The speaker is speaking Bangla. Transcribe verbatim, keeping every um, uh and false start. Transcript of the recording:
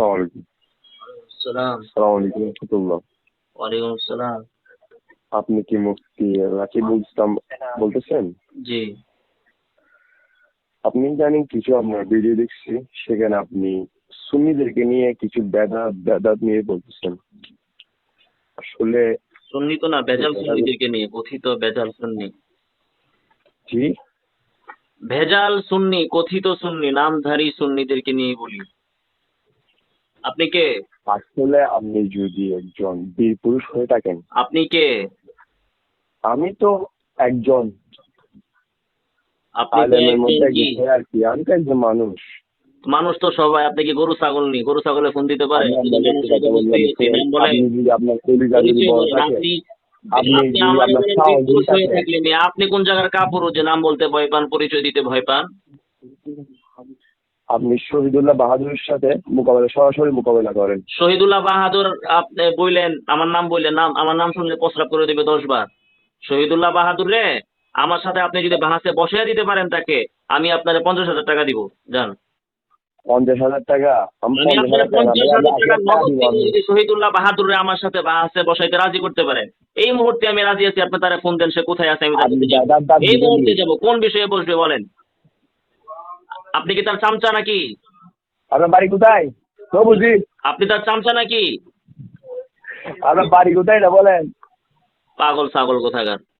আসসালামু আলাইকুম। সালাম। আসসালামু আলাইকুম রাহমাতুল্লাহ। ওয়ালাইকুম আসসালাম। আপনি কি মুফতি রাকিবুল ইসলাম বলতেছেন? জি। আপনি জানেন কিছু আপনার ভিডিও দেখছি, সেখানে আপনি সুন্নিদেরকে নিয়ে কিছু বেদাত বেদাত নিয়ে বলতেছেন। আসলে সুন্নি তো না, ভেজাল বেদাত সুন্নিদেরকে নিয়ে, কথিত ভেজাল সুন্নি। জি, ভেজাল সুন্নি, কথিত সুন্নি, নামধারী সুন্নিদেরকে নিয়ে বলি। আপনি কে? আসলে আপনি যদি একজন বীর পুরুষ হয়ে থাকেন, আপনি কে? আমি তো একজন আপনি তো আলেমের একজন মধ্যে কি? একজন আর কি, আমি তো একজন মানুষ। মানুষ তো সবাই। আপনি কি গরু ছাগল নি? গরু ছাগলে ফোন দিতে পারে? আমি আপনি তো আপনাকে একটু মানুষের কথা তো বলি, বুঝতে আপনি গেছি। শুনেন। নাম বলেন, আপনি যদি আপনার কলিজা যদি পরিচয় বড় বলেন। থাকে, আপনি আপনি আপনি যদি আমারে আপনার বলেন বীর সাহস যদি পুরুষ হয়ে থাকে, থাকলে মেয়ে, আপনি কোন জায়গার কাপুরুষ যে নাম বলতে ভয় পান, পরিচয় দিতে ভয় পান? আপনি শহীদুল্লাহ বাহাদুরের সাথে মোকাবেলা সরাসরি মোকাবেলা করেন। শহীদুল্লাহ বাহাদুর আপনি বললেন, আমার নাম বললেন, নাম আমার নাম শুনলে প্রস্রাব করে দেবে দশ বার। শহীদুল্লাহ বাহাদুর রে, আমার সাথে আপনি যদি বাহাসে বসিয়ে দিতে পারেন তাকে, আমি আপনার পঞ্চাশ হাজার টাকা দিব। যান। পঞ্চাশ হাজার টাকা? আমি আমি পঞ্চাশ আপনার হাজার টাকা না পঞ্চাশ ভাই, আমি হাজার এক টাকা লাখ টাকা নগদ দিব। দিব আমি যদি শহীদুল্লাহ বাহাদুর আমার সাথে বাহাসে বসাইতে রাজি করতে পারেন। এই মুহূর্তে আমি রাজি আছি। আপনি তারা ফোন দেন, সে কোথায় আছে, আমি তার আপনি কাছে যাবো। দাদার দাঁত এই দিবেন মুহূর্তে নি? যাব। কোন বিষয়ে বসবে বলেন? আপনি কি তার চামচা নাকি? আপনার বাড়ি কোথায় তো বুঝি? আপনি তার চামচা নাকি? আপনার বাড়ি কোথায় এটা বলেন। পাগল ছাগল কোথাকার।